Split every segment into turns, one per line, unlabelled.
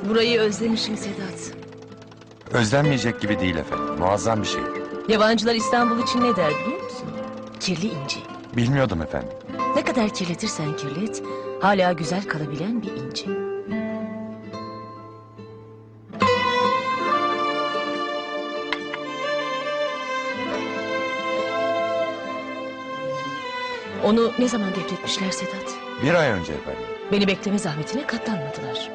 Burayı özlemişim Sedat.
Özlenmeyecek gibi değil efendim. Muazzam bir şey.
Yabancılar İstanbul için ne der biliyor musun? Kirli inci.
Bilmiyordum efendim.
Ne kadar kirletirsen kirlet, hala güzel kalabilen bir inci. Onu ne zaman defnetmişler Sedat?
1 ay önce efendim.
Beni bekleme zahmetine katlanmadılar.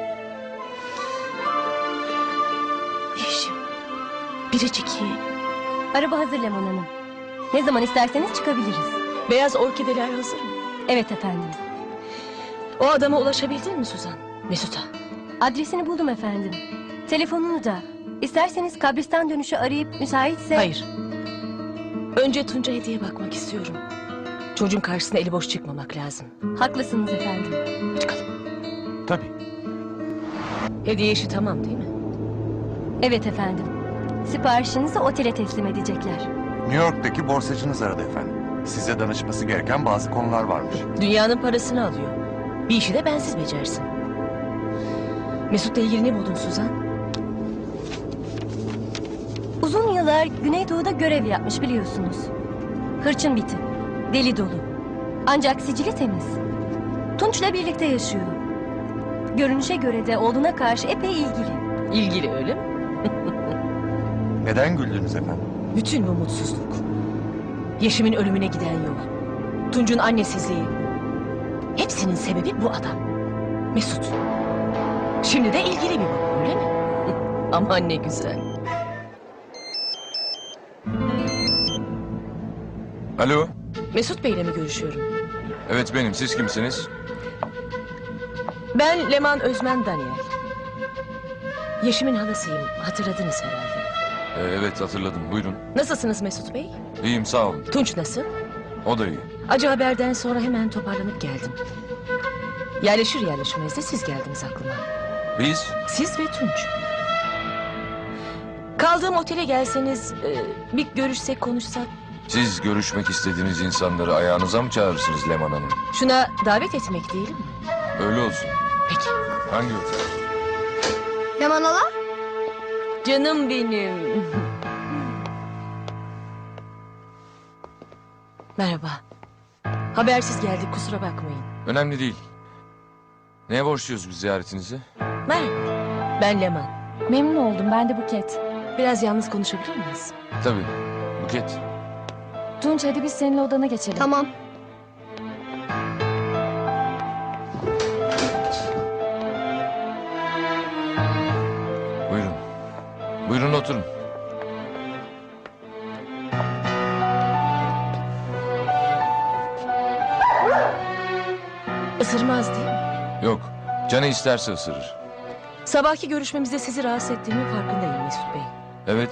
Yeşim, biricik yeğenim.
Araba hazır Leman Hanım. Ne zaman isterseniz çıkabiliriz.
Beyaz orkideler hazır mı?
Evet efendim.
O adama ulaşabildin mi Suzan? Mesut'a.
Adresini buldum efendim. Telefonunu da. İsterseniz kabristan dönüşü arayıp müsaitse...
Hayır. Önce Tunç'a hediye bakmak istiyorum. Çocuğun karşısına eli boş çıkmamak lazım.
Haklısınız efendim.
Çıkalım.
Tabii.
Hediye işi tamam değil mi?
Evet efendim. Siparişinizi otele teslim edecekler.
New York'taki borsacınız aradı efendim. Size danışması gereken bazı konular varmış.
Dünyanın parasını alıyor. Bir işi de bensiz becersin. Mesut'la ilgili ne buldun Suzan?
Uzun yıllar Güneydoğu'da görev yapmış biliyorsunuz. Hırçın bir tip. Deli dolu. Ancak sicili temiz. Tunç'la birlikte yaşıyor. Görünüşe göre de oğluna karşı epey ilgili.
İlgili öyle mi?
Neden güldünüz efendim?
Bütün bu mutsuzluk. Yeşim'in ölümüne giden yol. Tunç'un annesizliği. Hepsinin sebebi bu adam. Mesut. Şimdi de ilgili bir baba öyle mi? Aman ne güzel.
Alo,
Mesut Bey'le mi görüşüyorum?
evet benim. Siz kimsiniz?
Ben Leman Özmen Daniel. Yeşim'in halasıyım. Hatırladınız herhalde.
Evet hatırladım. Buyurun.
Nasılsınız Mesut Bey?
İyiyim sağ olun.
Tunç nasıl?
O da iyi.
Acı haberden sonra hemen toparlanıp geldim. Yerleşir yerleşmez de siz geldiniz aklıma.
Biz?
Siz ve Tunç. Kaldığım otele gelseniz, bir görüşsek konuşsak.
Siz görüşmek istediğiniz insanları ayağınıza mı çağırırsınız Leman Hanım?
Şuna davet etmek değil mi?
Öyle olsun.
Peki.
Hangi otel?
Leman hala?
Canım benim. Merhaba. Habersiz geldik kusura bakmayın.
Önemli değil. Neye borçluyuz biz ziyaretinizi?
Merhaba. Ben Leman.
Memnun oldum, ben de Buket.
Biraz yalnız konuşabilir miyiz?
Tabii. Buket.
Tunç hadi biz seninle odana geçelim. Tamam.
Buyurun. Buyurun oturun.
Isırmaz değil mi?
Yok. Canı isterse ısırır.
Sabahki görüşmemizde sizi rahatsız ettiğimin farkındayım Mesut Bey.
Evet.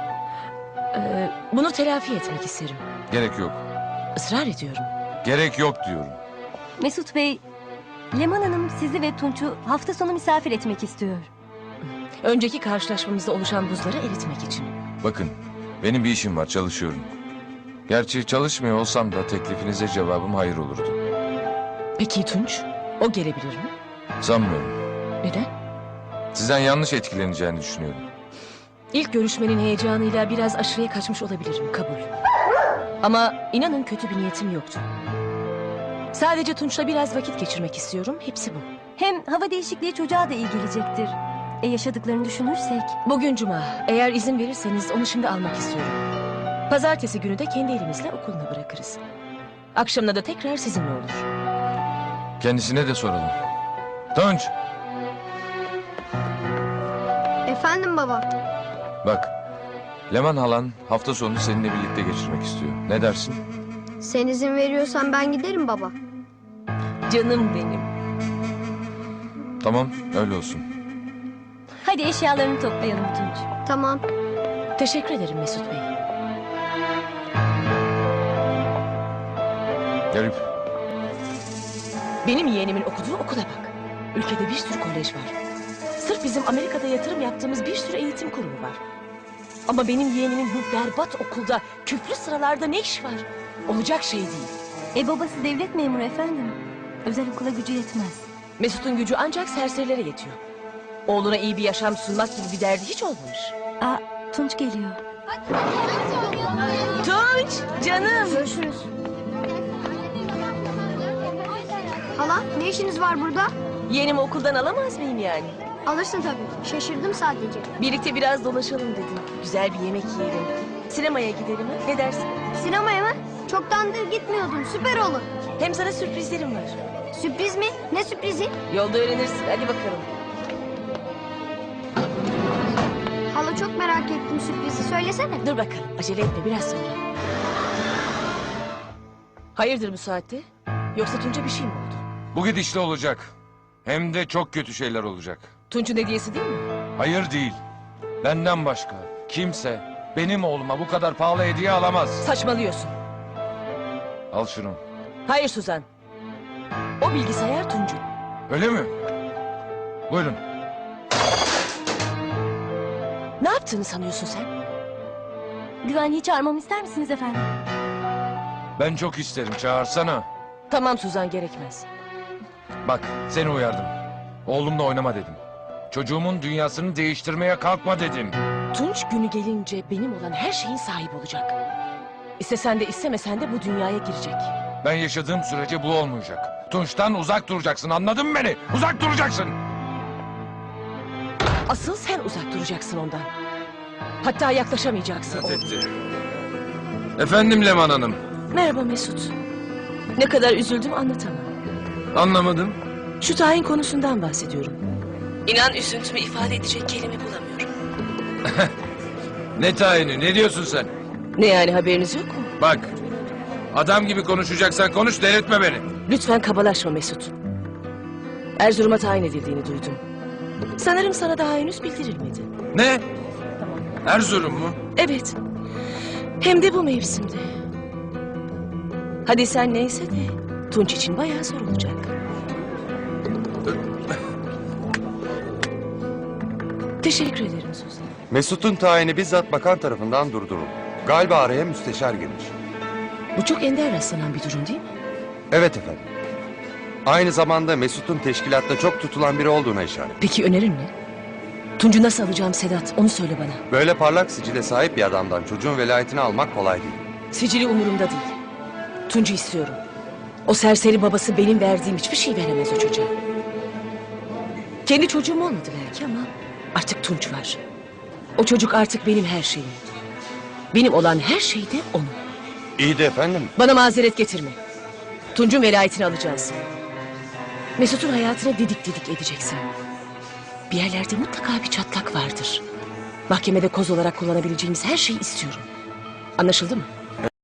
Bunu telafi etmek isterim.
Gerek yok.
Israr ediyorum.
Gerek yok diyorum.
Mesut Bey, Leman Hanım sizi ve Tunç'u hafta sonu misafir etmek istiyor.
Önceki karşılaşmamızda oluşan buzları eritmek için.
Bakın. Benim bir işim var. Çalışıyorum. Gerçi çalışmıyor olsam da teklifinize cevabım hayır olurdu.
Peki Tunç? O gelebilir mi?
Sanmıyorum.
Neden?
Sizden yanlış etkileneceğini düşünüyorum.
İlk görüşmenin heyecanıyla biraz aşırıya kaçmış olabilirim, kabul. Ama inanın kötü bir niyetim yoktu. Sadece Tunç'la biraz vakit geçirmek istiyorum, hepsi bu.
Hem hava değişikliği çocuğa da iyi gelecektir. Yaşadıklarını düşünürsek.
Bugün cuma, eğer izin verirseniz onu şimdi almak istiyorum. Pazartesi günü de kendi elimizle okuluna bırakırız. Akşamına da tekrar sizinle olur.
Kendisine de soralım. Tunç!
Efendim baba.
Bak, Leman halan hafta sonunu seninle birlikte geçirmek istiyor. Ne dersin?
Sen izin veriyorsan ben giderim baba.
Canım benim.
Tamam, öyle olsun.
Hadi eşyalarını toplayalım Tunç.
Tamam.
Teşekkür ederim Mesut Bey.
Garip.
Benim yeğenimin okuduğu okula bak. Ülkede bir sürü kolej var. Sırf bizim Amerika'da yatırım yaptığımız bir sürü eğitim kurumu var. Ama benim yeğenimin bu berbat okulda küflü sıralarda ne iş var? Olacak şey değil.
Babası devlet memuru efendim. Özel okula gücü yetmez.
Mesut'un gücü ancak serserilere yetiyor. Oğluna iyi bir yaşam sunmak gibi bir derdi hiç olmamış.
Aa, Tunç geliyor.
Tunç, canım.
Görüşürüz. Hala ne işiniz var burada?
Yeğenimi okuldan alamaz mıyım yani?
Alırsın tabii. Şaşırdım sadece.
Birlikte biraz dolaşalım dedim. Güzel bir yemek yiyelim. Sinemaya gidelim ha? Ne dersin?
Sinemaya mı? Çoktandır gitmiyordum. Süper olur.
Hem sana sürprizlerim var.
Sürpriz mi? Ne sürprizi?
Yolda öğrenirsin. Hadi bakalım.
Hala çok merak ettim sürprizi. Söylesene.
Dur bakalım. Acele etme biraz sonra. Hayırdır bu saatte? Yoksa Tunç'a bir şey mi oldu?
Bu gidişle olacak. Hem de çok kötü şeyler olacak.
Tunç'un hediyesi değil mi?
Hayır değil. Benden başka kimse benim oğluma bu kadar pahalı hediye alamaz.
Saçmalıyorsun.
Al şunu.
Hayır Suzan. O bilgisayar Tunç'un.
Öyle mi? Buyurun.
Ne yaptığını sanıyorsun sen?
Güvenliği çağırmamı ister misiniz efendim?
Ben çok isterim, çağırsana.
Tamam Suzan, gerekmez.
Bak, seni uyardım. Oğlumla oynama dedim. Çocuğumun dünyasını değiştirmeye kalkma dedim.
Tunç günü gelince benim olan her şeyin sahibi olacak. İstesen de istemesen de bu dünyaya girecek.
Ben yaşadığım sürece bu olmayacak. Tunç'tan uzak duracaksın, anladın mı beni? Uzak duracaksın.
Asıl sen uzak duracaksın ondan. Hatta yaklaşamayacaksın.
Efendim Leman Hanım.
Merhaba Mesut. Ne kadar üzüldüm anlatamam.
Anlamadım.
Şu tayin konusundan bahsediyorum. İnan üzüntümü ifade edecek kelime bulamıyorum.
Ne tayini, ne diyorsun sen?
Ne yani, haberiniz yok mu?
Bak, adam gibi konuşacaksan konuş, delirtme beni.
Lütfen kabalaşma Mesut. Erzurum'a tayin edildiğini duydum. Sanırım sana daha henüz bildirilmedi.
Ne? Erzurum mu?
Evet. Hem de bu mevsimde. Hadi sen neyse de Tunç için bayağı zor olacak. Teşekkür ederim Suzan.
Mesut'un tayini bizzat bakan tarafından durduruldu. Galiba araya müsteşar girmiş.
Bu çok ender rastlanan bir durum değil mi?
Evet efendim. Aynı zamanda Mesut'un teşkilatta çok tutulan biri olduğuna işaret.
Peki önerin ne? Tunç'u nasıl alacağım Sedat? Onu söyle bana.
Böyle parlak sicile sahip bir adamdan çocuğun velayetini almak kolay değil.
Sicili umurumda değil. Tunç'u istiyorum. O serseri babası benim verdiğim hiçbir şey veremez o çocuğa. Kendi çocuğum olmadı belki ama artık Tunç var. O çocuk artık benim her şeyim. Benim olan her şey de onun.
İyi de efendim.
Bana mazeret getirme. Tunç'un velayetini alacağız. Mesut'un hayatını didik didik edeceksin. Bir yerlerde mutlaka bir çatlak vardır. Mahkemede koz olarak kullanabileceğimiz her şeyi istiyorum. Anlaşıldı mı?